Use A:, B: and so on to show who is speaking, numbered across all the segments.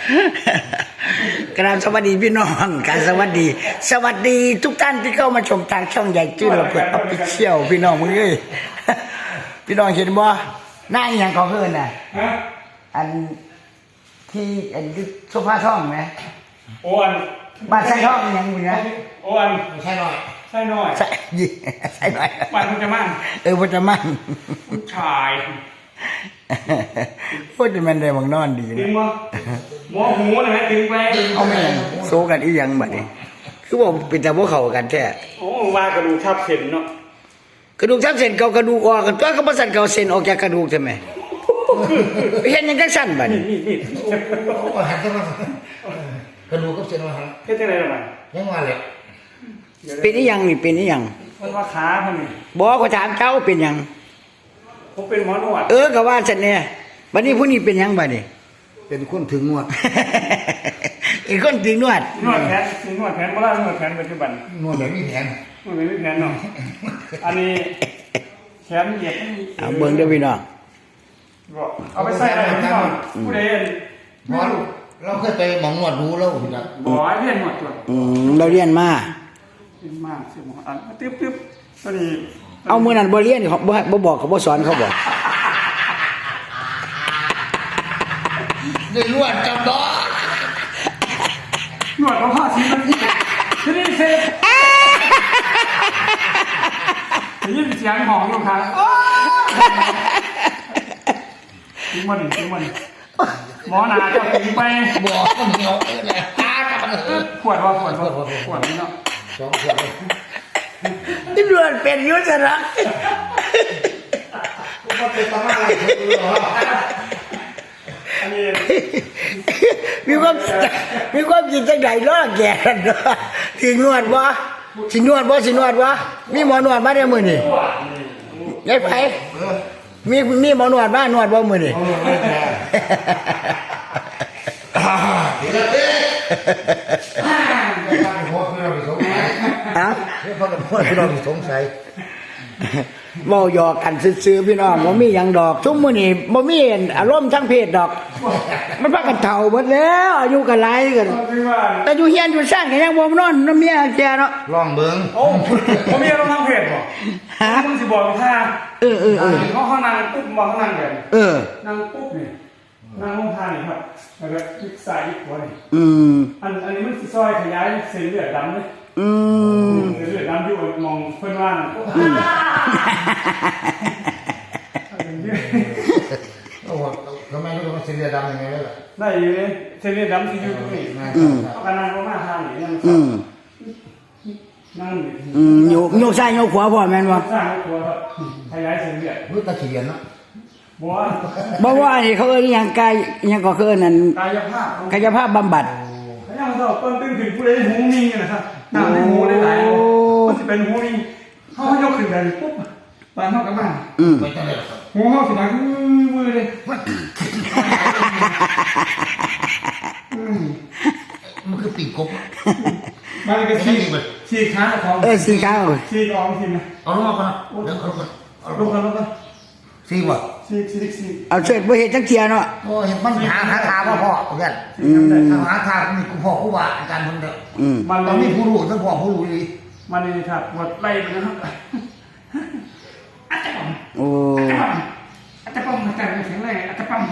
A: กราบสวัสดีพี่น้องการสวัสดีทุกท่านที่เข้ามาชมทางช่องใหญ่จื้อเราเปิดออฟฟิเชียลพี่น้องมึงเอ้ยพี่น้องเห็นบ่หน้าอย่างของเพื่อนน่ะอันที่อันโซฟาช่องไหม
B: โอ้อัน
A: บ้านใส่ช่องยังมึงนะ
B: โอ้อัน
A: ใช่หน่อย
B: ใช่หน่อย
A: ใช่หน่อย
B: บ้านพุทธมั่น
A: พุทธมั่น
B: ผู้ชาย
A: พูดจะมันได้บางนอนดีนะ
B: ตึงมั้งหมอหูนะฮะตึงไป
A: เอาไม่ยังโซกันอีหยังบัดนี้คือบอกเป็นแต่พวกเขากันแท้
B: โอ้ว่ากระดูกทับเส้นเนาะ
A: กระดูกทับเส้นเก่ากระดูกออกกันตัวก็บ่สั่นเก่าเส้นออกจากกระดูกใช่ไหมเห็นยังจังสั่นบัดนี้
B: นี่
C: หันขึ้นมากระดูกกับเส้นมาหัน
B: เฮ็ดจังได๋ล่ะมัน
C: ยังว่าเลย
A: เป็นอีหยังนี่เป็นอีหยัง
B: มันว่าขาเพิ่นนี่
A: บ่ก็ถามเจ้าเป็นหยัง
B: ผมเป็นหมอนวด
A: ก็ว่าซั่นแน่บัดนี้ผู้นี้เป็นหยังบัดนี้
C: เป็นคนถึงนวด
A: อีกคนถึงนวด
B: นวดแขนบ่ล่ะนวดแขนปัจจุบัน
C: นวดแบบมีแผน
B: นวดแบบมีแผนเนาะอันนี้แขนเหยียด
A: เอาเบิ่งเด้อพี่น้อง
B: บ่เอาไปใส่อะไรพี่น้องผู้ใด
C: หมอเราเคยไปหมองนวดรู้แล้ว
B: บ่ให้เรียนนวดตัว
A: เราเรียนมา
B: สิหมออันตึ๊บตอนนี้
A: เอามื้อนั้นบ่เรียนเขาบ่บอกเขาบ่สอนเขาบ่
C: ได้นวดจำดอก
B: นวดของพ่อสิมันทีนี้เสร็จได้ยินเสียงหองอยู่ครับถึงมันหมอนาเจ้าถึงไป
C: บอกก็เหนียวเลย
B: ขวดนี่เนาะ
C: 2 ขวดเลย
A: นี่นวดเป็นอยู่ซะละ
C: ก็เป็นตาอะไร
B: อันนี้
A: มีความคิดจังได๋ล้อแก่กันเนาะสินวดบ่มีหมอนวดมาได้มื้อนี้ยายไผมีหมอนวดมานวดบ่มื้อนี้
C: สงสัย
A: เว้าหยอกกันซื่อๆพี่น้องบ่มีหยังดอกซุมื้อนี้บ่มีอารมณ์ทางเพศดอกมันพากันเฒ่าหมดแล้วอายุก็หลายกันแต่อยู่เฮียนอยู่สร้างก็ยังบ่นอนนำเมียแกเนาะ
C: ลองเบิ่ง
B: โอ้บ่มีอารมณ์ทางเพศบ่ฮะมึงสิบอกท่าเขานั่งปุ๊บบ่เขานั่งแบบนั่งปุ๊บนี่นั่งลงท่านี่ครับแล้วก็พลิกซ้ายพลิกขวานี่อันนี้มันสิซอยขยายเส้นเลือดดำเลยเลือดดำอยู่มองเพิ่นว่า
C: โอ้ทำไมรู้ว่าเส้นเลือดดำยังไงล่ะ
B: ได้อยู่เลยเส้นเลือดดำที่อยู่ตรงนี้เอากันนั่งลงมาท่านี่นั่ง
A: โยกซ้ายโยกขวาพ่อแม่นบ่
B: ซ้ายโยกขวาครับขยายเส้นเลือด
C: รู้ตะเขียนเนาะ
A: บ่ว่านี่เขาเอิ้นหยังกายหยังก็คือนั่นกายภาพบำบัด
B: ยังเราต้นตึ้งถึงผู้ใดหูนิ่งนะครับหน้าในหูได้หลายมันจะเป็นหูนิ่งเขายกขึ้นไปปุ๊บปานเท่ากับบ้านหูเขาสิดังมือเลย
C: มันคือปีกกบ
B: มันก็ฉีกขาของ
A: ฉีกขา
B: ฉีกออกทีนะ
C: เอาลงมาก่อนนะเดี๋ยวเอาลงก่อนซีบ่
B: ซี
A: เอาเสร็จบ่เฮ็ดจังเที่ยเนาะ
C: โอ้เห็นมันหาทางพ่อเพื่อนหาทางนี่กูพ่อกูว่าอาจารย์เพิ่นเด้อมันต้องมีผู้รู้ทั้งพ่อผู้รู้อี
B: มันนี่ครับหมดไล่ไปนะครับอาจารย์ปั๊มอาจารย์แข็งแรงอาจารย์ปั๊ม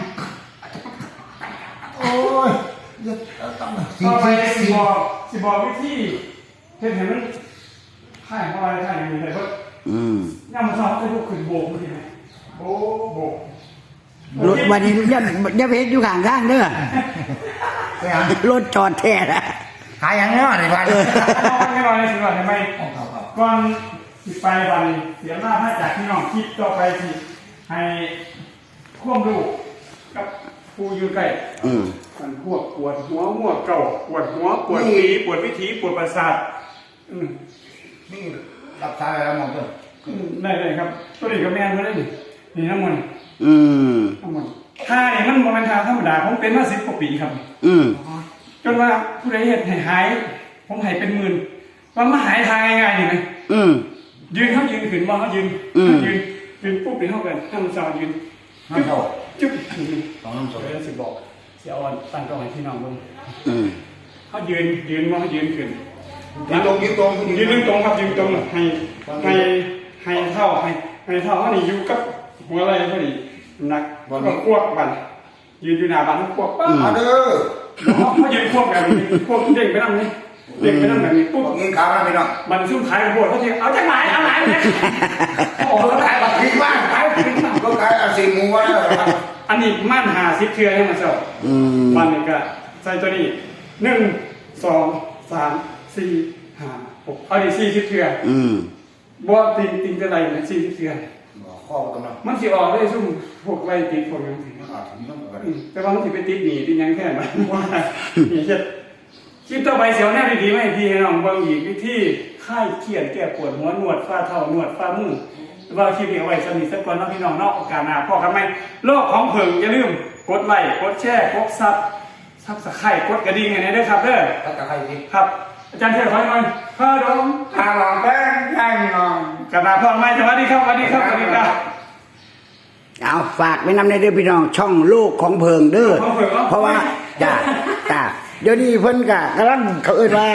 C: โอ้ย
B: ต้องสิบอกวิธีเห็นมันให้เข้าไปให้มีแต่ว่าย่ามาสอบให้พวกขึ้นโบกมันสิโบ
A: รถวันนี้อย่าไปเฮ็ดอยู่ข้างทางเด้อรถจอดแท้ละ
C: หาอย่างนี้ว่าในบ้าน
B: ไม่รอเลยสิว่าทำไมก่อนสิไปวันเสียหน้าให้จากพี่น้องคิดต่อไปสิให้ควบดูกับผู้อยู่ใกล้มันพวกปวดหัวมั่วเก่าปวดหัวปวดปีปวดวิถีปวดประสาท
C: นี่รับสายแล้วมองตัว
B: ได้เลยครับตัวนี้ก็แม่นมาได้นี่น้ำมันน้ำมันท่าเนี่ยมันโมเมนต์ธรรมดาผมเป็นมา10 กว่าปีครับจนว่าผู้ใดเห็นหายผมหายเป็นหมื่นว่ามาหายทางง่ายๆนี่ไหมยืนเขายืนขึ้นมาเขายืนปุ๊บเดี๋ยวเขากันทำสาวยืน
C: จุ๊บ
B: จุ๊บ
C: ต้องน้ำสด
B: เลยสิบอกเสียอ่อนตั้งกล้องให้พี่น้องเบิ่ง
A: อืม
B: เขายืนว่าเขายืนขึ้น
C: ยืนตรง
B: ยืนตรงครับยืนตรงให้เท่าเขานี่อยู่กับหัวไหล่เขานี่นักก็ควบบันยืนอยู่หน้าบ้านเขาควบปั๊บ
C: มาเด้อ
B: เขายืนควบแบบนี้ควบเด้งไปนั่งนี่เด้งไปนั่งแบบนี้ปุ๊บ
C: เงินขามาพี่น้อง
B: มันซุ่มขายปวดเขาทีเอาจากไหนเนี่ยโอ้โห
C: ขายแบบพริกบ้างขายพริกบ้างก็ขายอาซีหมูว่า
B: อันนี้มั่นหาซิปเทือให้มาเจ้ามันนี่ก็ใส่ตัวนี้1 2 3 4 5 6เอาดิ40เทือบ่ติงจะไรนะ40เทือ
C: ข้อกำลัง
B: มันสิออกได้ซุ่มพวกไรติดพวกยังสิแต่ว่ามันสิไปติดหนีติดยังแค่ไหนว่านี่เฮ็ดคลิปต่อไปเสียวแน่ดีๆไม่พี่ให้น้องเบิ่งอีกวิธีคลายเครียดแก้ปวดหัวหนวดฝ่าเท้าหนวดฝ่ามือว่าคลิปนี้เอาไว้สนิทสักก่อนเนาะพี่น้องเนาะโอกาสหน้าพอกันไหมโลกของเพิ่งอย่าลืมกดไลค์กดแชร์กดซับสไครต์กดกระดิ่งให้ได้ด้วยครับเด้อ
C: ถ้าจะใครพี่
B: ครับอาจารย์เทียบไว้หน่อยพ่อดม
C: ทางหลังแป้งแป้งนอน
B: กระดาษพ่อไม่สวัสดีครับสวัสดีครับสวัสดีครับ
A: เอาฝากไว้นำในเด้อพี่น้องช่องโลกของเพิงเด้อเพราะว่าจ้าเดี๋ยวนี้เพิ่นก็กำลังเขาเอิ้นว่า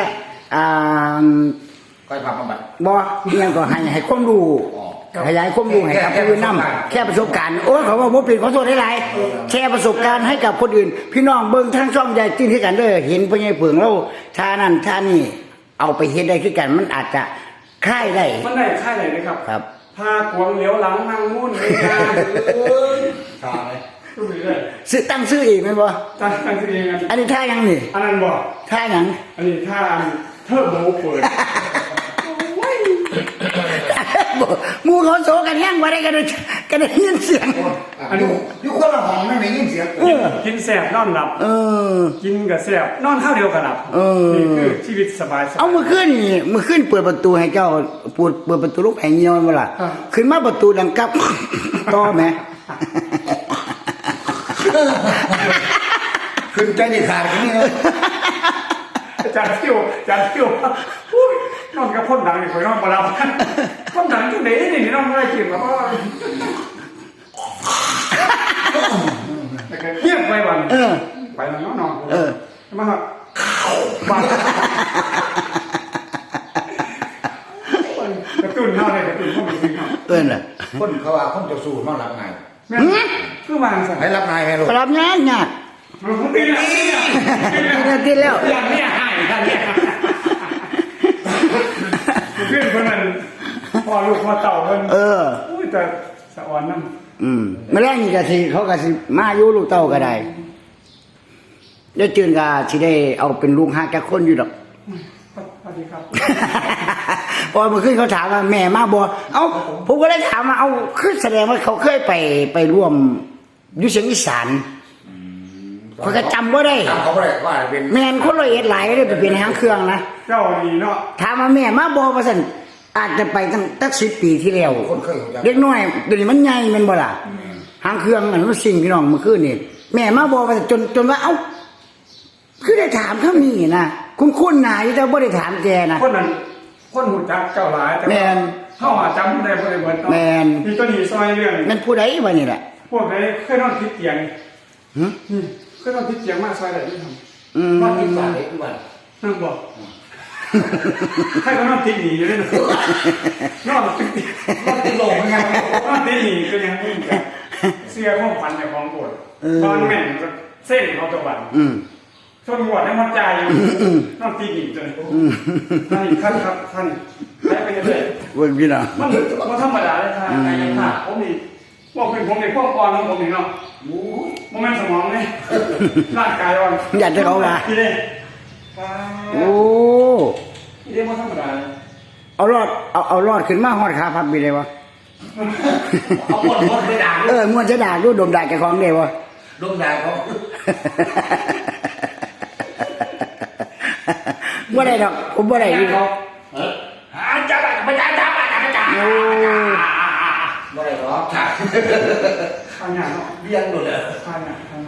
C: ก็พาบำบัด
A: บ่เอียงก็ให้ความรู้ขยายความรู้ให้กับผู้อื่นนำแค่ประสบการณ์โอ้ยเขาว่าบ่เป็นขอโทษหลายๆแค่ประสบการณ์ให้กับคนอื่น พี่น้องเบิ่งทางช่องใหญ่ติ้นคือกันเด้อเห็นพ่อใหญ่เพิงเราท่านั้นท่านี้เอาไปเฮ็ดได้คือกันมันอาจจะคลายได้
B: มันได้ค่ายไหนนะครับ
A: ครับ
B: พากวงเหลียวหลังนั่งมุ่นเลยนะตายก็มีเลย
A: ตั้งชื่ออีกแม่นบ่
B: ตั้งชื่อเอง
A: อันนี้ท่ายังนี่
B: อันนั้นบอก
A: ท่าหยัง
B: อันนี้ท่าเทิร์โบเปิด
A: หมู่เขาโซกันยังบ่ได้กันได้ยินเสียง
C: อันนี้ยุคคนละห้องนั่นเองยินเสียง
B: กินแสบนอนหลับกินกับแสบนอนข้าวเดียวกันหลับนี่คือชีวิตสบาย
A: เอาเมื่อคืนนี่เมื่อคืนเปิดประตูให้เจ้าเปิดประตูลูกแห่งเงียวมันบ่ล่ะขึ้นมาประตูดังกับ ต่อแหม
C: ขึ้นใจดีขาดอย่างนี้เลย
B: จานเที่ยวนอนกับพ่นดังนี่คอยนอนมาแล้วพ่นดังที่ไหนนี่นอนไม่ได้กินแล้วก็เงียบไปวันไปแล้วนอนมาครับบ้านกระตุ้นเท่าไหร่กระตุ้นพวกมันจริงครับ
A: น่ะ
C: คนเขาว่าคนจะสู้นอนรับนาย
B: คือวางสั่ง
C: ให้รับนายให้ลูก
A: รับงานยาก
B: มันตี
A: แล้ว
B: อย่างนี้หายกันเนี่ยเพื่อนคนนั้นพอลูกพอเต่าคนอุ้ยแต่สะอ่อนนั่น
A: มาแล้นี่ก็สิเขาก็สิมาอยู่ลูกเต้าก็ได้เดี๋ยวจืนก็สิได้เอาเป็นลูกหาแก่คนอยู่ดอก
B: สวัสดีครับ
A: พอเมื่อคืนเขาถามว่าแม่มาบ่เอ้าผมก็เลยถามว่าเอาคือแสดงว่าเขาเคยไปร่วมอยู่เสียงอีสานเขาก็จำบ่ได้
C: เขาบ่ได้ว่าเป็น
A: แม่นคนละเอียดหลายเลยไปเป็นหางเครื่องนะ
B: เจ้าดีเนาะ
A: ถามว่าแม่มาบ่ว่าซั่นอาจจะไปตั้ง10 ปีที่แล้ว
C: คนเคย
A: เด็กน้อยเดี๋ยวนี้มันใหญ่แม่นบ่ล่ะหางเครื่องอันมันสิ่งพี่น้องเมื่อคืนนี่แม่มาบ่ว่าจนว่าเอ้าคือได้ถามเขามีนะคุ้นๆหน้าอยู่แต่บ่ได้ถามแกนะ
B: คนนั้นคนหูจักเจ้าหลายแต่เข้าหาจำได้บ่ได้เหมือนมีตัวนี้ซอยเรื่อง
A: นั่นผู้ใดวะนี่แหละ
B: พวกไหนเคยนอนติดเตียงเคยนอนติดเตียงมากซอยไหนที่ทำนอนติดบ้านเลยทุกวันนั่งบอกให้เขานอนติดหนีอยู่ด้วยนะนอนติดหลงไงนอนติดหนีก็ยังไม่เหมือนกันเสียข้องฟันในของปวดตอนแม่งเส้นเขาตะวันชนหัวได้มัดใจนอนติดหนีจนท่านครับท่านให้ไปเลย
A: เว้ยพี่น้อง
B: มันธรรมดาเลยค่ะไอ้ค่ะผมนี่บอกเป็นผมในพวกอ่อนของผมนี่เนาะมันไม่สมองเลยร่างกายอ่อน
A: อยากจะเขาละ
B: พี่เด้
A: โอ้
B: พี่เด้มันธรรมดาเลย
A: เอารอดขึ้นมาฮอดขาพับไปเลยวะ
C: เอาหมดไปด่า
A: ม้วนจะด่าดูดมด่าแกของเดียวะ
C: ดมด่าเขา
A: บ่ได้ดอกผมบ่ได้ดิ
C: จ้าบ่ได้หรอกค่ะ
B: ข้างหน้าเนาะ
C: เลี้ยงหมดเลย
B: ข้างหน้าข้าง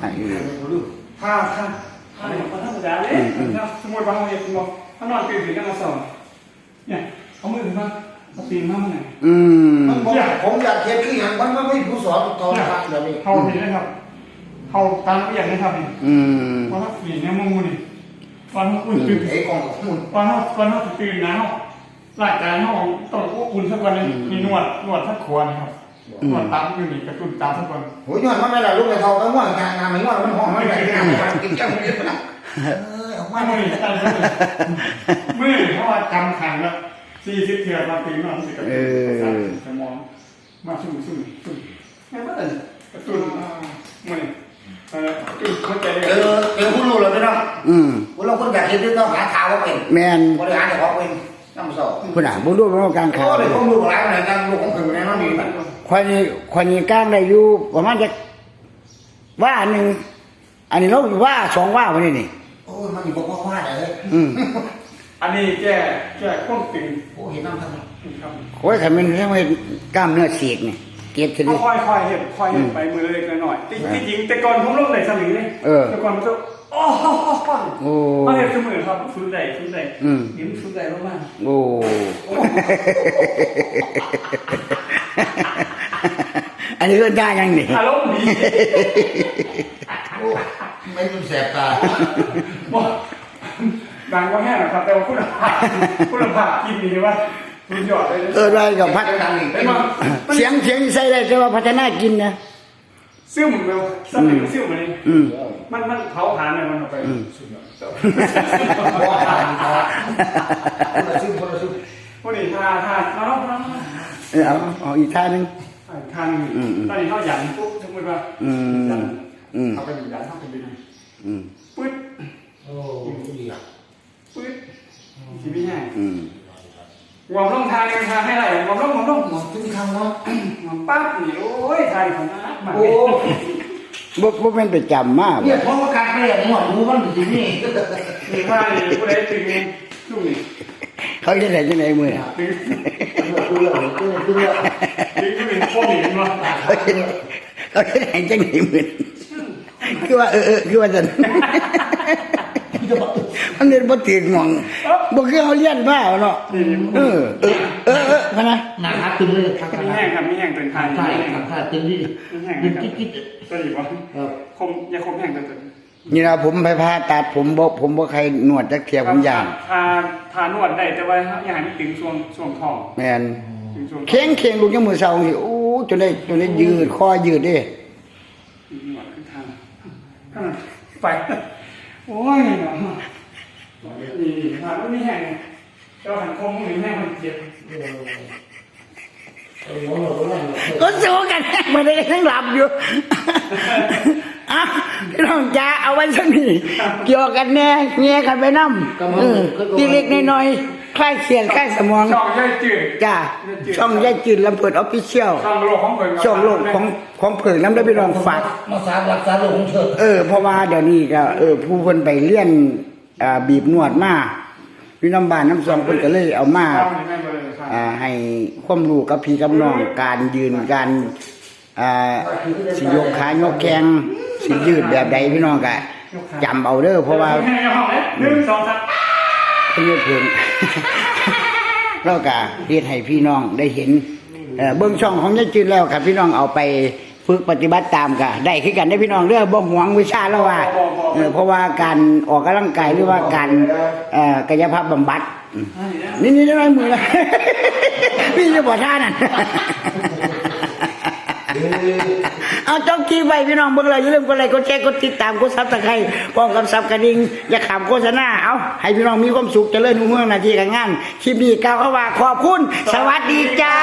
B: มันธรรมดาเลยสมมติว่าเราเห็นบอกถ้านอนตื่นถึงกันมาสอนเนี่ยเอามือถึงมาเอาตีนมาเมื่อไหร่
C: ผมอยากเทียบคืออย่างมันไม่ผู้สอนตอนครับเดี๋ยวนี้
B: เขาเห็นนะครับเขาตามอย่างนี้ครับนี่
A: อืม
B: ว่าเขาปีนเนี่ยมึงนี่วันเขาอุ่นตื่น
C: ไอ้ของคุณ
B: วันเขาตื่นนะเขาร่างกายเขาต้องอุ่นสักวันนึงมีนวดสักขวดครับนวดตามอยู่นี่กระตุ้นตามสักวัน
C: โหยอดมันไม่ละลูกไอ้ทองก็ง่วงงานไม่ง่วงมันห้องมันไปกินแก้วมันนะออกมา
B: ไม่
C: เลย
B: มือตั้งมือเพราะว่ากำขังแล้ว40 เถื่อนมาตีนอนสิกระตุ้นสมองมาซุ่มไม่ว่าแต่กระตุ้นมือกระตุ้นเข้าใจเลย
C: เจอผู้รู้เลยพี่น้อง
A: อืม
C: ผู้เราคนแบบคิดต้องหาข่าวว่าเป็น
A: แมน
C: บริหารแต่ของเป็นน้ำสอบ
A: คุณอ่ะบุญรู้ว่าการข่าว
C: ก็เลยข้อมูลของร้านไหนกันลูกของถึงในนั้นนี่แบบ
A: คนนี้ก้างได้อยู่ประมาณจะว่าหนึ่งอันนี้เราว่า2ว่าวันนี้นี่
C: โอ้ยมันอยู่บอกว่าเลย
A: อืม
B: อันนี้แก้ข้นตึง
C: โอ้เห็นน้ำทั้ง
B: ครับ
A: โอ้ยขันมันเรียกว่ากล้ามเนื้อเสียกนี่เก็บที
B: เขา
A: นี้
B: ค่อยเห็นไปมือเล็กหน่อยจริงแต่ก่อนผมลงไหนสลิงเลยแต่ก่อนมันจะโอ้โหเขาเห็นเสมอครับฟื้นได้ยิ้มฟื้นได้มาก
A: โอ้อันนี้ก็ได้ยังนี่
B: อารมณ์ดี
C: ไม่รู้แสบตา
B: ดังว่าแห้งนะครับแต่ว่าคุณภาพกินดีว่าคุณหยอดเลย
A: ได้กับพัด
C: ดังอีก
B: ได้มา
A: เสียงใส่ได้แต่ว่าพัฒนากินนะ
B: ซิ่วเหมือนเดิมสลิงซิ่วเหมือนนี้มันเผาผลาญเนี่ยมันออกไปสุดยอด
C: คนละซึ่ง
B: พวกนี้ทาน้อง
A: เอาอีกท่านึง
B: ทานตอนนี้เขาหยันปุ๊บสมมติว่าเขาเป็นหยันเขาเป็นยังไงปึ๊ด
C: โอ้ดีอ่ะ
B: ปึ๊ดชีวิตง่ายงอมลงทางทางให้ไรงอมลง
C: หมดทุกครั้งเนาะ
B: งอมปั๊บนี่โอ้ยไทยของน้ามา
C: โอ้
A: บ่เป็นไปจำมาก
C: เนี่ยเพราะว่าการเปลี่ยนหมดรู้มันอยู่นี่
B: มีผ้านี่ผู้ใดตึงช่วงนี้
A: เขาจะได้จังไหนมือ
B: ตึง
C: กูเลยกูเลย
B: ตึงก็เป็นข้อหนีมา
A: เขาจะได้จังไหนมือคือว่าคือว่าจะมันเรียนบ่ถึงงองบ่คือเขาเรียนบ้าเนาะพะนะ
C: หนักตึงเลยครับ
B: มีแห้งครับมีแห้งเป็นไทย
C: ใช่ครับตึงดิ
B: มีแห้ง
C: ตึ
B: นะ
C: ง
B: ครับ
C: กิ๊ด
B: ตัวนี้วะอย่าคมแห้งตัว
A: นี่นะผมไปผ่าตัดผมบ่ใครนวดจักเที่ยผมย่าง
B: ทานวดได้แต่ว่าอย่าให้มันตึงช่วงท้อง
A: แม่น
B: ตึงช่วง
A: เข่งลูกยังมือเศร้าสิโอ้จนได้ยืดคอยืดเด้
B: นวดขึ้นทางไปโอ้ยเนาะนี่ทานไม่แห้งเจ้าหันคมมือแห้งมันเจ็บ
A: ก็สู้กันไม่ได้ทั้งหลับอยู่อ่ะพี่น้องจ๋าเอาไว้สักนิดเกี่ยวกันแน่แง่กันไปน้ำทีเล็กน้อยคลายเสียนคลายสมอง
B: ช่องย่อยจืด
A: จ้าช่องย่ายจืดลำเพิดออฟฟิเชียล
B: ช่องโลกของเพิ่น
A: ช่องโลกของเผิงน้ำได้พี่น้องฝาก
C: มาสารักษาโรคของเธอ
A: เพราะว่าเดี๋ยวนี้ก็ผู้เพิ่นไปเลี้ยนบีบนวดมาพี่น้ำบานน้ำซองเพิ่นก็เลยเอามาให้ความรู้กับพี่กับน้องการยืนการสิยกขายกแข้งสิยืดแบบใดพี่น้องก็จำเอาเด้อเพราะว่า
B: 1 2 3
A: เพิ่นเพิ่น เราก็เฮ็ดให้พี่น้องได้เห็นเบิ่งช่องของยายจืนแล้วครับพี่น้องเอาไปฝึกปฏิบัติตามก็ได้คือกันได้พี่น้องเด้อบ่หวงวิชาแล้วว่าเพราะว่าการออกกำลังกายหรือว่าการกายภาพบำบัดนี่ได้มือละ พี่จะบ่ท่านั่น เอาจ้องคีไว้พี่น้องเบิ่งแล้วอย่าลืมกดไลค์กดแชร์กดติดตามกด Subscribe พร้อมกับซับกระดิ่งอย่าขามโฆษณาเอาให้พี่น้องมีความสุขเจริญรุ่งเรืองหน้าที่การงานคลิปนี้กล่าวคำว่าขอบคุณสวัสดีจ้า